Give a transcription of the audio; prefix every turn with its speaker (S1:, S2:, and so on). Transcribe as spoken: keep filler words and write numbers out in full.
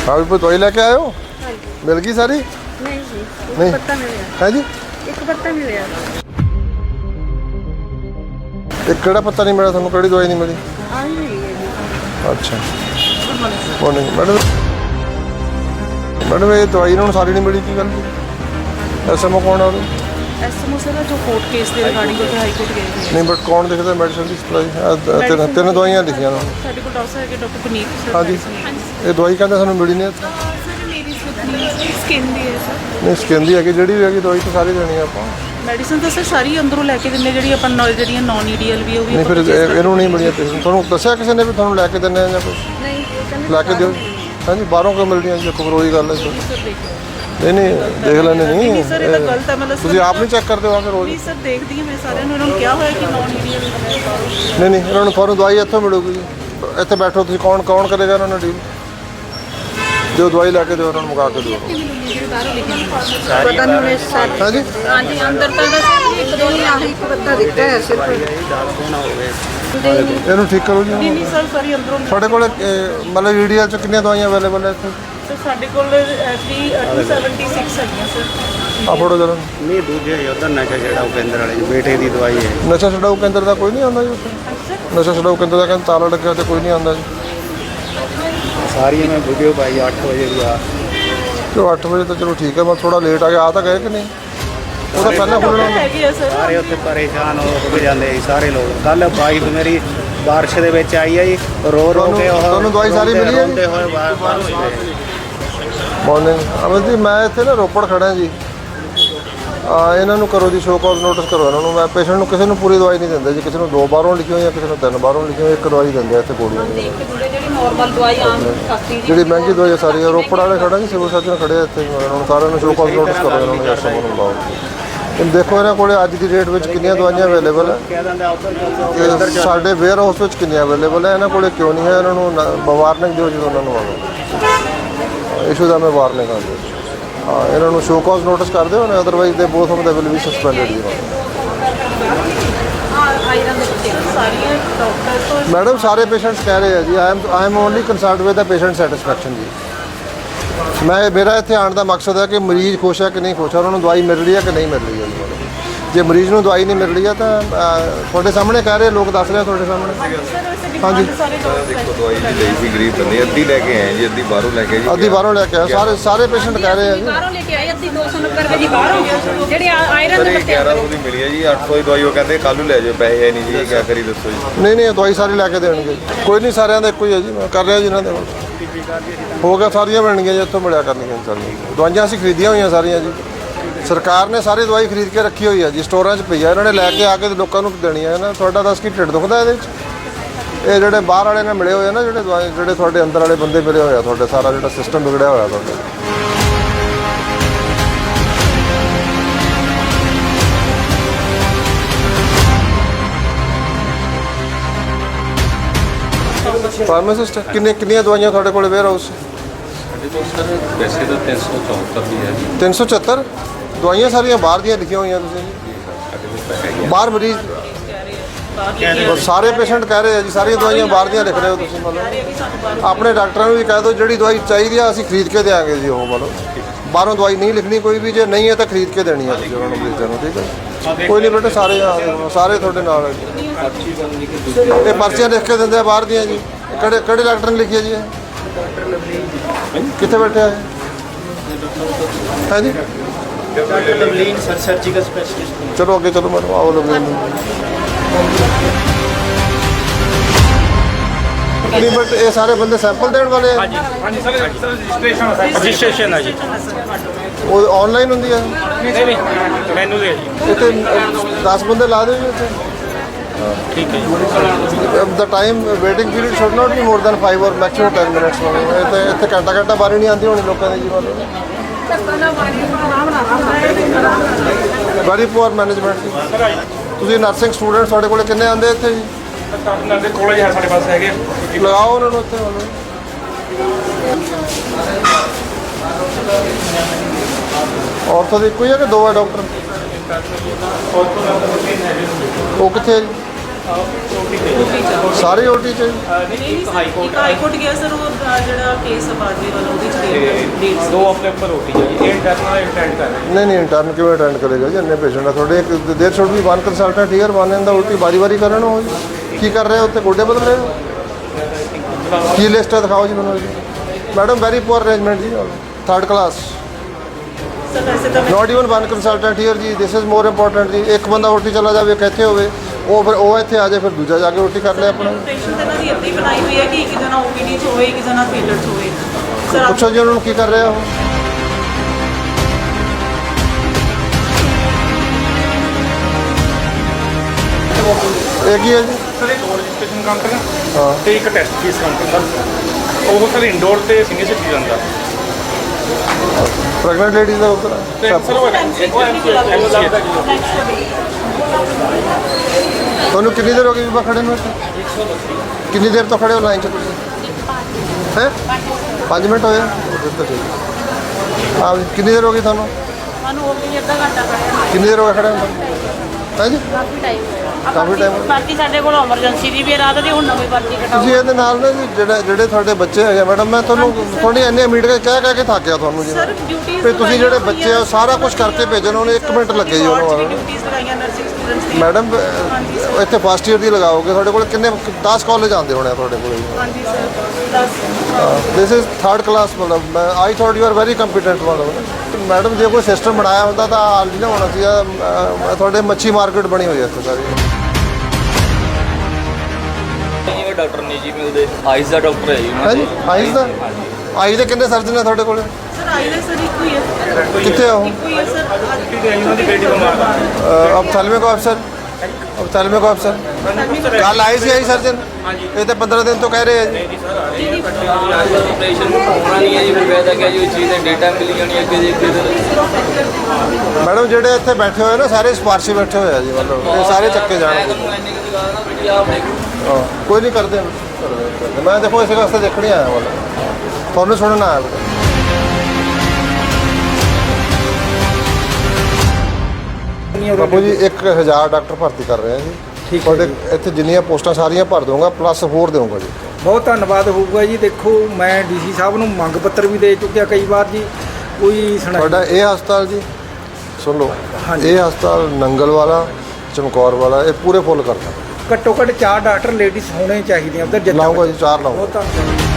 S1: हाँ भी दवाई लैके आए हो? मिल गई सारी?
S2: नहीं जी,
S1: नहीं
S2: पत्ता मिले
S1: है जी।
S2: एक पत्ता मिले
S1: एक केड़ा पत्ता नहीं मिला थानू? केड़ी दवाई नहीं मिली?
S2: आई नहीं है जी।
S1: अच्छा मॉर्निंग मैडम। मैडम ये दवाई इन्होंने सारी नहीं मिली की गल? एस एम ओ कौन है?
S2: एसएमओ सर जो कोर्ट केस ਦੇ ਰਿਗਾਰਡਿੰਗ ਉਹ ਹਾਈ ਕੋਰਟ ਗਏ ਸੀ।
S1: नहीं बट कौन देखता मैडिसिन की सप्लाई? तीन तीन दवाइयां लिखियां उन्होंने।
S2: ਸਾਡੇ ਕੋਲ ਡਾਕਟਰ ਹੈ ਕਿ ਡਾਕਟਰ ਪੁਨੀਤ ਸਰ।
S1: हाँ जी ये दवाई कहते सानू मिली नहीं इत्थे।
S2: ਸਰ ਮੇਰੀ ਸਕਿਨ ਦੀ ਹੈ ਸਰ।
S1: नहीं स्किन दी है ਜਿਹੜੀ ਵੀ ਹੈਗੀ ਦਵਾਈ ਤਾਂ ਸਾਰੀ ਦੇਣੀ ਆਪਾਂ।
S2: ਮੈਡੀਸਨ ਤਾਂ ਸਰ ਸਾਰੀ ਅੰਦਰੋਂ ਲੈ ਕੇ ਦਿੰਦੇ ਜਿਹੜੀ ਆਪਾਂ ਨੌ ਜਿਹੜੀਆਂ ਨਾਨ ਈਡੀਐਲ ਵੀ ਉਹ ਵੀ
S1: ਨਹੀਂ ਫਿਰ ਇਹ- ਇਹਨੂੰ ਨਹੀਂ ਮਿਲੀਆਂ ਪੇਸ਼ੈਂਟ। ਤੁਹਾਨੂੰ ਦੱਸਿਆ ਕਿਸੇ ਨੇ ਵੀ ਤੁਹਾਨੂੰ ਲੈ ਕੇ ਦਿੰਦੇ ਆ ਜਾਂ ਕੁਝ?
S2: ਨਹੀਂ
S1: ਲੈ ਕੇ ਦਿਓ। ਹਾਂਜੀ ਬਾਹਰੋਂ ਕਿਉਂ ਮਿਲਦੀਆਂ ਜੀ? ਕੋਈ ਰੋਈ ਗੱਲ ਹੈ ਸਰ।
S2: ਸਰ ਦੇਖੋ
S1: ਨਹੀਂ ਨਹੀਂ ਦੇਖ ਲੈਣੇ ਨਹੀਂ
S2: ਨਹੀਂ ਸਰ ਇਹ ਤਾਂ ਗਲਤ ਹੈ ਮਤਲਬ
S1: ਤੁਸੀਂ ਆਪ ਨਹੀਂ ਚੈੱਕ ਕਰਦੇ ਹੋ ਆ ਕੇ ਰੋਜ਼?
S2: ਨਹੀਂ ਸਰ ਦੇਖਦੀ ਹਾਂ ਮੈਂ ਸਾਰਿਆਂ ਨੂੰ ਇਹਨਾਂ ਨੂੰ ਕਿਹਾ ਹੋਇਆ ਕਿ ਨਾਨ ਈਡੀਐਲ
S1: ਨਹੀਂ ਨਹੀਂ ਇਹਨਾਂ ਨੂੰ ਤੁਹਾਨੂੰ ਦਵਾਈ ਇੱਥੋਂ ਮਿਲੂਗੀ ਜੀ। ਇੱਥੇ ਬੈਠੋ ਤੁਸੀਂ। ਕੌਣ ਕੌਣ ਕਰੇਗਾ ਇਹਨਾਂ ਨੂੰ ਡੀਲ? ਜੋ ਦਵਾਈ ਲੈ ਕੇ ਦਿਓ ਉਹਨਾਂ ਨੂੰ ਮੁਕਾ ਕੇ ਦਿਓ।
S2: ਪਤਾ ਨਹੀਂ ਉਹਨੇ ਸਰ
S1: ਹਾਂਜੀ
S2: ਹਾਂਜੀ ਅੰਦਰ ਤਾਂ ਬਸ ਇੱਕ ਦੋ ਨਹੀਂ ਆਹੀ ਇੱਕ ਪੱਤਾ ਦਿਖਦਾ ਹੈ ਸਿਰਫ।
S1: ਇਹਨੂੰ ਠੀਕ ਕਰੋ ਜੀ।
S2: ਨਹੀਂ ਨਹੀਂ ਸਰ ਸਾਰੀ ਅੰਦਰੋਂ
S1: ਤੁਹਾਡੇ ਕੋਲ ਇਹ, ਮਤਲਬ ਈਡੀਐਲ ਚ ਕਿੰਨੀਆਂ ਦਵਾਈਆਂ ਅਵੇਲੇਬਲ ਹੈ ਇੱਥੇ?
S2: ਸਰ ਸਾਡੇ ਕੋਲ ਐਕਚੁਅਲੀ ਟੂ ਸੈਵਨਟੀ ਸਿਕਸ ਹੈਗੀਆਂ ਸਰ।
S1: ਆ ਫੋਟੋ ਜਰਾ।
S3: ਨਹੀਂ ਦੂਜੇ ਉਧਰ ਨਸ਼ਾ ਛਡਾਊ ਕੇਂਦਰ ਵਾਲੇ ਜੀ, ਬੇਟੇ ਦੀ ਦਵਾਈ ਹੈ।
S1: ਨਸ਼ਾ ਛਡਾਊ ਕੇਂਦਰ ਦਾ ਕੋਈ ਨਹੀਂ ਆਉਂਦਾ ਜੀ ਉੱਥੇ? ਨਸ਼ਾ ਛਡਾਊ ਕੇਂਦਰ ਦਾ ਕਹਿੰਦੇ ਤਾਲਾ ਲੱਗਿਆ ਤੇ ਕੋਈ ਨਹੀਂ ਆਉਂਦਾ ਜੀ।
S3: ਸਾਰੀਆਂ ਮੈਂ ਵੀਡੀਓ ਪਾਈ ਅੱਠ ਵਜੇ ਦੀ ਆ।
S1: ਚਲੋ ਅੱਠ ਵਜੇ ਤਾਂ ਚਲੋ ਠੀਕ ਹੈ। ਮੈਂ ਥੋੜਾ ਲੇਟ ਆ ਗਿਆ। ਆ ਤਾਂ ਗਏ ਕਿ ਨਹੀਂ? ਉਹ ਤਾਂ ਪਹਿਲਾਂ ਖੁੱਲਣਾ ਹੁੰਦਾ।
S2: ਹੈਗੇ ਆ ਸਰ
S3: ਸਾਰੇ ਉੱਥੇ ਪਰੇਸ਼ਾਨ ਹੋ ਹੋ ਜਾਂਦੇ ਸੀ ਸਾਰੇ ਲੋਕ। ਕੱਲ ਬਾਈਕ ਮੇਰੀ ਬਾਰਿਸ਼ ਦੇ ਵਿੱਚ ਆਈ ਹੈ ਜੀ, ਰੋ ਰੋ ਕੇ ਉਹ
S1: ਤੁਹਾਨੂੰ ਦਵਾਈ ਸਾਰੀ
S3: ਰੋਂਦੇ-
S1: ਮਿਲੀ ਹੈ ਜੀ?
S3: ਰੋਂਦੇ ਹੋਏ ਬਾਹਰ ਬਾਹਰ ਹੋਏ।
S1: ਮੋਰਨਿੰਗ ਅਮਨ ਜੀ ਮੈਂ ਇੱਥੇ ਨਾ ਰੋਪੜ ਖੜਾ ਜੀ। ਆ ਇਹਨਾਂ ਨੂੰ ਕਰੋ ਜੀ ਸ਼ੋ ਕਾਜ਼ ਨੋਟਿਸ ਕਰੋ ਇਹਨਾਂ ਨੂੰ। ਮੈਂ ਪੇਸ਼ੈਂਟ ਨੂੰ ਕਿਸੇ ਨੂੰ ਪੂਰੀ ਦਵਾਈ ਨਹੀਂ ਦਿੰਦਾ ਜੀ। ਕਿਸੇ ਨੂੰ ਦੋ ਬਾਹਰੋਂ ਲਿਖੀ ਹੋਈ ਜਾਂ ਕਿਸੇ ਨੂੰ ਤਿੰਨ ਬਾਹਰੋਂ ਲਿਖੀ ਹੋਈ। ਇੱਕ ਦਵਾਈ ਦਿੰਦੇ ਆ ਇੱਥੇ ਗੋਲੀਆਂ ਦੀ।
S2: ਜਿਹੜੀ ਨਾਰਮਲ ਦਵਾਈ ਆਮ ਸਸਤੀ
S1: ਜਿਹੜੀ ਮਹਿੰਗੀ ਦਵਾਈ ਆ ਸਾਰੀ ਰੋਪੜ ਵਾਲੇ ਖੜਾ ਜੀ। ਸਿਵਲ ਸਰਜਨ ਖੜੇ ਆ ਇੱਥੇ। ਇਹਨਾਂ ਨੂੰ ਸਾਰਿਆਂ ਨੂੰ ਸ਼ੋ ਕਾਜ਼ ਨੋਟਿਸ ਕਰੋ ਇਹਨਾਂ ਨੂੰ। ਐਸ ਐਮ ਓ ਨੂੰ ਬੁਲਾਓ। ਹੁਣ ਦੇਖੋ ਇਹਨਾਂ ਕੋਲੇ ਅੱਜ ਦੀ ਡੇਟ ਵਿੱਚ ਕਿੰਨੀਆਂ ਦਵਾਈਆਂ ਅਵੇਲੇਬਲ ਹੈ
S3: ਕਹਿ ਦਿੰਦੇ ਉੱਧਰ
S1: ਤੇ ਸਾਡੇ ਵੇਅਰ ਹਾਊਸ ਵਿੱਚ ਕਿੰਨੀਆਂ ਅਵੇਲੇਬਲ ਹੈ। ਇਹਨਾਂ ਕੋਲੇ ਕਿਉਂ ਨਹੀਂ ਹੈ? ਇਹਨਾਂ ਨੂੰ ਵਾਰਨਿੰਗ ਦਿਓ ਜਦੋਂ ਉਹਨਾਂ ਨੂੰ ਆਵੇ। ਇਸ਼ੂ ਦਾ ਮੈਂ ਵਾਰਨਿੰਗ ਆ ਦਿਓ। ਹਾਂ ਇਹਨਾਂ ਨੂੰ ਸ਼ੋ ਕਾਜ਼ ਨੋਟਿਸ ਕਰ ਦਿਓ ਨਾ। Otherwise they both of them will be suspended ਜੀ।
S2: ਆਇਰਨ ਦੇ ਵਿੱਚ ਸਾਰੀਆਂ ਡਾਕਟਰ ਤੋਂ
S1: ਮੈਡਮ ਸਾਰੇ ਪੇਸ਼ੈਂਟਸ ਕਹਿ ਰਹੇ ਆ ਜੀ I am I am only concerned with the patient satisfaction ਜੀ। ਮੈਂ ਮੇਰਾ ਇੱਥੇ ਆਉਣ ਦਾ ਮਕਸਦ ਹੈ ਕਿ ਮਰੀਜ਼ ਖੁਸ਼ ਹੈ ਕਿ ਨਹੀਂ ਖੁਸ਼ ਹੈ, ਉਹਨਾਂ ਨੂੰ ਦਵਾਈ ਮਿਲ ਰਹੀ ਹੈ ਕਿ ਨਹੀਂ ਮਿਲ ਰਹੀ ਹੈ। ਜੇ ਮਰੀਜ਼ ਨੂੰ ਦਵਾਈ ਨਹੀਂ ਮਿਲ ਰਹੀ ਹੈ ਤਾਂ ਤੁਹਾਡੇ ਸਾਹਮਣੇ ਕਹਿ ਰਹੇ ਲੋਕ ਦੱਸ ਰਹੇ ਤੁਹਾਡੇ ਸਾਹਮਣੇ। ਹਾਂਜੀ
S2: ਸਾਰੇ
S4: ਦੇਖੋ ਦਵਾਈ ਜੀ ਲਈ ਸੀ ਗਰੀਬ ਬੰਦੇ, ਅੱਧੀ ਲੈ ਕੇ ਆਏ ਜੀ, ਅੱਧੀ ਬਾਹਰੋਂ ਲੈ ਕੇ ਜੀ।
S1: ਅੱਧੀ ਬਾਹਰੋਂ ਲੈ ਕੇ ਆਏ ਸਾਰੇ ਸਾਰੇ ਪੇਸ਼ੈਂਟ ਕਹਿ ਰਹੇ ਆ ਜੀ।
S2: ਬਾਹਰੋਂ ਲੈ ਕੇ ਆਏ ਅੱਧੀ ਦੋ ਸੌ ਨੱਬੇ ਰੁਪਏ ਦੀ ਬਾਹਰੋਂ ਜਿਹੜੇ ਆਇਰਨ
S4: ਸਰ
S2: ਦੇ
S4: ਇਹ
S2: ਪੱਤੇ
S4: ਗਿਆਰਾਂ ਸੌ ਦੀ ਮਿਲੀ ਹੈ ਜੀ। ਅੱਠ ਸੌ ਦੀ ਦਵਾਈ ਉਹ ਕਹਿੰਦੇ ਕੱਲ੍ਹ ਨੂੰ ਲੈ ਜਾਓ, ਪੈਸੇ ਹੈ ਨਹੀਂ ਜੀ। ਕੀ ਕਰੀ ਦੱਸੋ ਜੀ।
S1: ਨਹੀਂ ਨਹੀਂ ਦਵਾਈ ਸਾਰੀ ਲੈ ਕੇ ਦੇਣਗੇ। ਕੋਈ ਨਹੀਂ ਸਾਰਿਆਂ ਦਾ ਇੱਕੋ ਹੀ ਹੈ ਜੀ। ਮੈਂ ਕਰ ਰਿਹਾ ਜੀ ਇਹਨਾਂ ਦੇ ਕੋਲ ਹੋ ਗਿਆ। ਸਾਰੀਆਂ ਮਿਲਣਗੀਆਂ ਜੀ ਇੱਥੋਂ ਮਿਲਿਆ ਕਰਨਗੀਆਂ ਸਾਰੀਆਂ ਦਵਾਈਆਂ। ਅਸੀਂ ਖਰੀਦੀਆਂ ਹੋਈਆਂ ਸਾਰੀਆਂ ਜੀ। ਸਰਕਾਰ ਨੇ ਸਾਰੀ ਦਵਾਈ ਖਰੀਦ ਕੇ ਰੱਖੀ ਹੋਈ ਹੈ ਜੀ। ਸਟੋਰਾਂ 'ਚ ਪਈ ਆ। ਇਹਨਾਂ ਨੇ ਲੈ ਕੇ ਆ ਕੇ ਲੋਕਾਂ ਨੂੰ ਦੇਣੀ ਹੈ ਨਾ। ਤੁਹਾਡਾ ਦੱਸ ਕੀ ਢਿੱਡ ਦੁਖਦਾ ਇਹਦੇ 'ਚ? ਇਹ ਜਿਹੜੇ ਬਾਹਰ ਵਾਲੇ ਨਾਲ ਮਿਲੇ ਹੋਏ ਆ ਨਾ, ਜਿਹੜੇ ਦਵਾਈ ਜਿਹੜੇ ਤੁਹਾਡੇ ਅੰਦਰ ਵਾਲੇ ਬੰਦੇ ਮਿਲੇ ਹੋਏ ਆ, ਤੁਹਾਡੇ ਸਾਰਾ ਜਿਹੜਾ ਸਿਸਟਮ ਵਿਗੜਿਆ ਹੋਇਆ ਤੁਹਾਡਾ। ਫਾਰਮਾਸਿਸਟ ਕਿੰਨੇ ਕਿੰਨੀਆਂ ਦਵਾਈਆਂ ਤੁਹਾਡੇ ਕੋਲ ਵੇਅਰ ਹਾਊਸ?
S5: ਸਾਡੇ ਕੋਲ ਸਰ ਵੈਸੇ ਤਾਂ ਤਿੰਨ ਸੌ ਚੌਹੱਤਰ ਦੀ ਹੈ ਜੀ।
S1: ਤਿੰਨ ਸੌ ਚੁਹੱਤਰ ਦਵਾਈਆਂ ਸਾਰੀਆਂ ਬਾਹਰ ਦੀਆਂ ਲਿਖੀਆਂ ਹੋਈਆਂ ਤੁਸੀਂ ਜੀ।
S5: ਸਾਡੇ ਕੋਲ ਤਾਂ ਹੈਗੀ
S1: ਬਾਹਰ ਮਰੀਜ਼ ਸਾਰੇ ਪੇਸ਼ੈਂਟ ਕਹਿ ਰਹੇ ਆ ਜੀ ਸਾਰੀਆਂ ਦਵਾਈਆਂ ਬਾਹਰ ਦੀਆਂ ਲਿਖ ਰਹੇ ਹੋ ਤੁਸੀਂ। ਮਤਲਬ ਆਪਣੇ ਡਾਕਟਰਾਂ ਨੂੰ ਵੀ ਕਹਿ ਦਿਓ ਜਿਹੜੀ ਦਵਾਈ ਚਾਹੀਦੀ ਆ ਅਸੀਂ ਖਰੀਦ ਕੇ ਦਿਆਂਗੇ ਜੀ। ਉਹ ਮਤਲਬ ਬਾਹਰੋਂ ਦਵਾਈ ਨਹੀਂ ਲਿਖਣੀ ਕੋਈ ਵੀ। ਜੇ ਨਹੀਂ ਹੈ ਤਾਂ ਖਰੀਦ ਕੇ ਦੇਣੀ ਆ ਤੁਸੀਂ ਉਹਨਾਂ ਨੂੰ ਮਰੀਜ਼ਾਂ ਨੂੰ। ਠੀਕ ਹੈ ਕੋਈ ਨਹੀਂ ਬੇਟੇ ਸਾਰੇ ਆ ਸਾਰੇ ਤੁਹਾਡੇ ਨਾਲ ਆ ਜੀ। ਇਹ ਪਰਚੀਆਂ ਲਿਖ ਕੇ ਦਿੰਦੇ ਆ ਬਾਹਰ ਦੀਆਂ ਜੀ। ਇਹ ਕਿਹੜੇ ਕਿਹੜੇ ਡਾਕਟਰ ਨੇ ਲਿਖੀ ਹੈ ਜੀ ਇਹ? ਕਿੱਥੇ ਬੈਠੇ ਆ ਹੈ ਜੀ?
S3: Doctor Lovleen sir surgical specialist.
S1: ਚਲੋ ਅੱਗੇ ਚਲੋ ਮੈਨੂੰ ਆਓ ਲਵਲੀਨ ਨੂੰ। ਨਹੀਂ ਬਟ ਇਹ ਸਾਰੇ ਬੰਦੇ ਸੈਂਪਲ ਦੇਣ ਵਾਲੇ ਆ?
S6: ਹਾਂਜੀ ਸਰ ਰਜਿਸਟ੍ਰੇਸ਼ਨ ਹੈ ਰਜਿਸਟ੍ਰੇਸ਼ਨ ਹੈ ਜੀ।
S1: ਉਹ ਆਨਲਾਈਨ ਹੁੰਦੀ ਹੈ?
S6: ਨਹੀਂ ਨਹੀਂ ਮੈਨੂੰ ਦੇ ਜੀ।
S1: ਇੱਥੇ ਦਸ ਬੰਦੇ ਲਾ ਦਿਓ ਜੀ ਇੱਥੇ।
S6: ਠੀਕ ਹੈ ਜੀ।
S1: The time waiting period should not be more than five or maximum ten minutes. ਇੱਥੇ ਇੱਥੇ ਘੰਟਾ ਘੰਟਾ ਬਾਰੀ ਨਹੀਂ ਆਉਂਦੀ ਹੋਣੀ ਲੋਕਾਂ ਦੀ ਜੀ। ਮਤਲਬ ਵੈਰੀ ਪੂਅਰ ਮੈਨੇਜਮੈਂਟ ਜੀ। ਤੁਸੀਂ ਨਰਸਿੰਗ ਸਟੂਡੈਂਟ ਤੁਹਾਡੇ ਕੋਲ ਕਿੰਨੇ ਆਉਂਦੇ ਇੱਥੇ ਜੀ?
S6: ਕਾਫੀ ਦੇ ਕਾਲਜ ਹੈ ਸਾਡੇ ਪਾਸ ਹੈਗੇ।
S1: ਲਗਾਓ ਉਹਨਾਂ ਨੂੰ ਇੱਥੇ। ਮਤਲਬ ਔਰਥੋ ਦੀ ਇੱਕੋ ਹੀ ਹੈ ਕਿ ਦੋ ਹੈ ਡਾਕਟਰ? ਉਹ ਕਿੱਥੇ ਹੈ ਜੀ? ਸਾਰੇ ਓਟੀ ਚ ਜੀ?
S2: ਇੱਕ ਹਾਈ ਕੋਰਟ ਗਿਆ ਸਰ, ਉਹ ਅ, ਜਿਹੜਾ ਕੇਸ ਬਾਜਵੇ ਵਾਲਾ ਉਹਦੇ ਚ ਡੇਟ ਡੇਟ ਸੀ।
S6: ਦੋ ਆਪਣੇ ਉੱਪਰ ਰੋਟੀ ਹੈ ਜੀ, ਇਹ ਇੰਟਰਨਲ ਅਟੈਂਡ ਕਰ ਰਹੇ
S1: ਨਹੀਂ ਨਹੀਂ ਇੰਟਰਨ ਕਿਵੇਂ ਅਟੈਂਡ ਕਰੇਗਾ ਜੀ? ਇੰਨੇ ਪੇਸ਼ੈਂਟ ਆ ਤੁਹਾਡੇ, ਇੱਕ there should be one consultant here one in the ਉਲਟੀ ਵਾਰੀ ਵਾਰੀ ਕਰਨ ਉਹ ਜੀ ਕੀ ਕਰ ਰਹੇ ਹੋ ਉੱਤੇ? ਗੋਡੇ ਬਦਲ ਰਹੇ ਹੋ? ਕੀ ਲਿਸਟ ਹੈ ਦਿਖਾਓ ਜੀ ਮੈਨੂੰ ਜੀ। ਮੈਡਮ ਵੈਰੀ ਪੂਅਰ ਅਰੇਂਜਮੈਂਟ ਜੀ, ਥਰਡ ਕਲਾਸ,
S2: ਸਰ ਵੈਸੇ ਤਾਂ
S1: not even one consultant here ਜੀ, ਦਿਸ ਇਜ਼ ਮੋਰ ਇੰਪੋਰਟੈਂਟ ਜੀ। ਇੱਕ ਬੰਦਾ ਉਲਟੀ ਚਲਾ ਜਾਵੇ, ਇੱਕ ਇੱਥੇ ਹੋਵੇ, ਉਹ ਫਿਰ ਉਹ ਇੱਥੇ ਆ ਜਾਏ, ਫਿਰ ਦੂਜਾ ਜਾ ਕੇ ਉਲਟੀ ਕਰ ਲੈ ਆਪਣਾ।
S2: ਪੇਸ਼ੈਂਟ ਇਹਨਾਂ ਦੀ ਇੱਦਾਂ ਹੀ ਬਣਾਈ ਹੋਈ ਹੈ ਕਿ ਇੱਕ ਜਣਾ ਓਪੀਡੀ 'ਚ ਹੋਵੇ, ਇੱਕ ਜਣਾ ਥੀਏਟਰ 'ਚ ਹੋਵੇ। ਸਰ ਆਪ-
S1: ਪੁੱਛੋ ਜੀ ਉਹਨਾਂ ਨੂੰ ਕੀ ਕਰ ਰਿਹਾ ਉਹ। ਇਹ ਕੀ ਹੈ ਜੀ?
S6: ਸਰ ਇਹ ਦੋ ਰਜਿਸਟ੍ਰੇਸ਼ਨ ਕਾਊਂਟਰ ਹੈ
S1: ਹਾਂ
S6: ਤੇ ਇੱਕ ਟੈਸਟ ਫੀਸ ਕਾਊਂਟਰ ਸਰ। ਉਹ ਸਰ ਇੰਡੋਰ ਤੇ ਸੀਨੀਅਰ ਸਿਟੀਜ਼ਨ ਦਾ
S1: ਪ੍ਰੈਗਨੈਂਟ ਲੇਡੀਜ਼ ਦਾ ਉੱਧਰ
S6: ਤੇ ਸਰ ਉਹ ਉਹ ਐਮਸੀ ਹੈ।
S1: ਤੁਹਾਨੂੰ ਕਿੰਨੀ ਦੇਰ ਹੋ ਗਈ ਬੀਬਾ ਖੜੇ ਨੂੰ ਇੱਥੇ? ਕਿੰਨੀ ਦੇਰ ਤੋਂ ਖੜੇ ਹੋ ਲਾਈਨ 'ਚ ਤੁਸੀਂ? ਹੈ ਪੰਜ ਮਿੰਟ ਹੋਏ ਆ? ਫਿਰ ਤਾਂ ਠੀਕ ਆ। ਕਿੰਨੀ ਦੇਰ ਹੋ ਗਈ ਤੁਹਾਨੂੰ?
S7: ਸਾਨੂੰ ਹੋ ਗਈ ਅੱਧਾ ਘੰਟਾ ਖੜਿਆ
S1: ਕਿੰਨੀ ਦੇਰ ਹੋ ਗਈ ਖੜੇ ਨੂੰ? ਹੈ ਜੀ
S7: ਕਾਫੀ ਟਾਈਮ
S1: ਕਾਫੀ time ਹੋਇਆ।
S7: ਬਾਕੀ ਸਾਡੇ ਕੋਲ ਐਮਰਜੈਂਸੀ ਦੀ ਵੀ ਹੈ, ਰਾਤ ਦੀ ਹੁਣ ਨਵੀਂ ਪਰਚੀ ਕਟਾਓ।
S1: ਤੁਸੀਂ ਇਹਦੇ ਨਾਲ ਨਾ ਜੀ ਜਿਹੜੇ ਜਿਹੜੇ ਤੁਹਾਡੇ ਬੱਚੇ ਹੈਗੇ ਮੈਡਮ, ਮੈਂ ਤੁਹਾਨੂੰ ਥੋੜੀ ਇੰਨੇ ਮੀਟ ਕੇ ਕਹਿ ਕਹਿ ਕੇ ਥੱਕ ਗਿਆ ਤੁਹਾਨੂੰ ਜੀ।
S2: ਸਰ ਡਿਊਟੀਆਂ
S1: ਵੀ ਤੁਸੀਂ ਜਿਹੜੇ ਬੱਚੇ ਆ ਸਾਰਾ ਕੁਝ ਕਰਕੇ ਭੇਜਣ, ਉਹਨੇ ਇੱਕ ਮਿੰਟ ਲੱਗੇ ਜੀ ਉਹਨੂੰ ਆਉਣ ਨੂੰ।
S2: ਡਿਊਟੀਆਂ ਲਗਾਈਆਂ ਨਰਸਿੰਗ ਸਟੂਡੈਂਟਸ ਦੀ।
S1: ਮੈਡਮ
S2: ਹਾਂਜੀ ਸਰ।
S1: ਇੱਥੇ ਫਸਟ ਈਅਰ ਦੀ ਲਗਾਓਗੇ, ਤੁਹਾਡੇ ਕੋਲ ਕਿੰਨੇ ਦਸ ਕਾਲਜ ਆਉਂਦੇ ਹੋਣੇ ਆ ਤੁਹਾਡੇ ਕੋਲ?
S2: ਹਾਂਜੀ ਸਰ ਦਸ
S1: ਦਿਸ ਇਜ਼ ਥਰਡ ਕਲਾਸ। ਮਤਲਬ ਮੈਂ I thought you are very competent. ਮਤਲਬ ਮੈਡਮ ਜੇ ਕੋਈ ਸਿਸਟਮ ਬਣਾਇਆ ਹੁੰਦਾ ਤਾਂ ਹਾਲ ਨਹੀਂ ਨਾ ਹੋਣਾ ਸੀਗਾ। ਅਹ, ਤੁਹਾਡੇ ਮੱਛੀ ਮਾਰਕੀਟ ਬਣੀ ਹੋਈ ਹੈ ਇੱਥੇ ਸਾਰੀ।
S5: ਇਹ ਡਾਕਟਰ ਨਹੀਂ ਜੀ ਮਿਲਦੇ, ਆਈਜ਼ ਦਾ ਡਾਕਟਰ ਹੈ ਜੀ
S1: ਹੈ
S5: ਉਹਨਾਂ
S1: ਜੀ
S5: ਦੇ।
S1: ਆਈਜ਼ ਦਾ? ਆਈਜ਼ ਦੇ ਕਿੰਨੇ ਸਰਜਨ ਨੇ ਤੁਹਾਡੇ ਕੋਲ?
S2: ਸਰ ਆਈ ਦਾ ਸਰ ਇੱਕੋ ਹੀ ਹੈ।
S1: ਕਿੱਥੇ ਆ ਉਹ?
S2: ਇੱਕੋ ਹੀ ਹੈ ਸਰ।
S6: ਤੇ ਇਹਨਾਂ ਦੀ ਬੇਟੀ ਬਿਮਾਰ ਆ।
S1: ਅਬਥੈਲਮਿਕ ਅਫਸਰ ਅਬਥੈਲਮਿਕ ਅਫਸਰ ਕੱਲ ਆਏ ਸੀ ਆਈ ਸਰਜਨ? ਇਹ ਤਾਂ ਪੰਦਰਾਂ ਦਿਨ ਤੋਂ ਕਹਿ ਰਹੇ ਆ ਜੀ।
S5: ਆਪਰੇਸ਼ਨ ਹੋਣਾ ਨਹੀਂ ਹੈ ਜੀ, ਫਿਰ ਵੈਦਾ ਕਿਹਾ ਜੀ ਉਹ ਚੀਜ਼ ਦੇ ਡੇਟਾ ਮਿਲ ਜਾਣੀ ਅੱਗੇ ਜੀ ਅੱਗੇ ਦੇ।
S1: ਮੈਡਮ ਜਿਹੜੇ ਇੱਥੇ ਬੈਠੇ ਹੋਏ ਨਾ ਸਾਰੇ ਸਿਫਾਰਸ਼ੀ ਬੈਠੇ ਹੋਏ ਆ ਜੀ, ਮਤਲਬ ਇਹ ਸਾਰੇ ਚੱਕੇ ਜਾਣਗੇ।
S5: ਤੁਹਾਨੂੰ ਇੰਨੀ ਕੁ ਦਿਖਾ ਦੇਣਾ ਵੀ ਜੀ ਆਪ ਦੇਖੋ।
S1: ਹਾਂ ਕੋਈ ਨਹੀਂ ਕਰਦੇ ਕਰਦੇ। ਮੈਂ ਦੇਖੋ ਇਸੇ ਵਾਸਤੇ ਦੇਖਣ ਹੀ ਆਇਆ ਮਤਲਬ ਤੁਹਾਨੂੰ ਸੁਣਨ ਆਇਆ ਬੇਟਾ। ਬਾਬੂ ਜੀ ਇੱਕ ਹਜ਼ਾਰ ਡਾਕਟਰ ਭਰਤੀ ਕਰ ਰਹੇ ਆ ਜੀ। ਤੁਹਾਡੇ ਇੱਥੇ ਜਿੰਨੀਆਂ ਪੋਸਟਾਂ ਸਾਰੀਆਂ ਭਰ ਦਊਂਗਾ, ਪਲੱਸ ਹੋਰ ਦੇਵਾਂਗਾ ਜੀ।
S8: ਬਹੁਤ ਧੰਨਵਾਦ ਹੋਊਗਾ ਜੀ। ਦੇਖੋ ਮੈਂ ਡੀਸੀ ਸਾਹਿਬ ਨੂੰ ਮੰਗ ਪੱਤਰ ਵੀ ਦੇ ਚੁੱਕਿਆ ਕਈ ਵਾਰ ਜੀ, ਕੋਈ ਸੁਣਾਈ।
S1: ਤੁਹਾਡਾ ਇਹ ਹਸਪਤਾਲ ਜੀ ਸੁਣ ਲਓ,
S8: ਹਾਂਜੀ।
S1: ਇਹ ਹਸਪਤਾਲ ਨੰਗਲ ਵਾਲਾ, ਚਮਕੌਰ ਵਾਲਾ, ਇਹ ਪੂਰੇ ਫੁੱਲ ਕਰਦਾ।
S8: ਘੱਟੋ ਘੱਟ ਚਾਰ ਡਾਕਟਰ ਲੇਡੀਜ਼ ਹੋਣੇ ਚਾਹੀਦੀਆਂ ਉਧਰ ਜਿੱਦਾਂ।
S1: ਲਾਊਂਗਾ ਜੀ, ਚਾਰ ਲਾਊਂਗਾ।
S8: ਬਹੁਤ ਧੰਨਵਾਦ।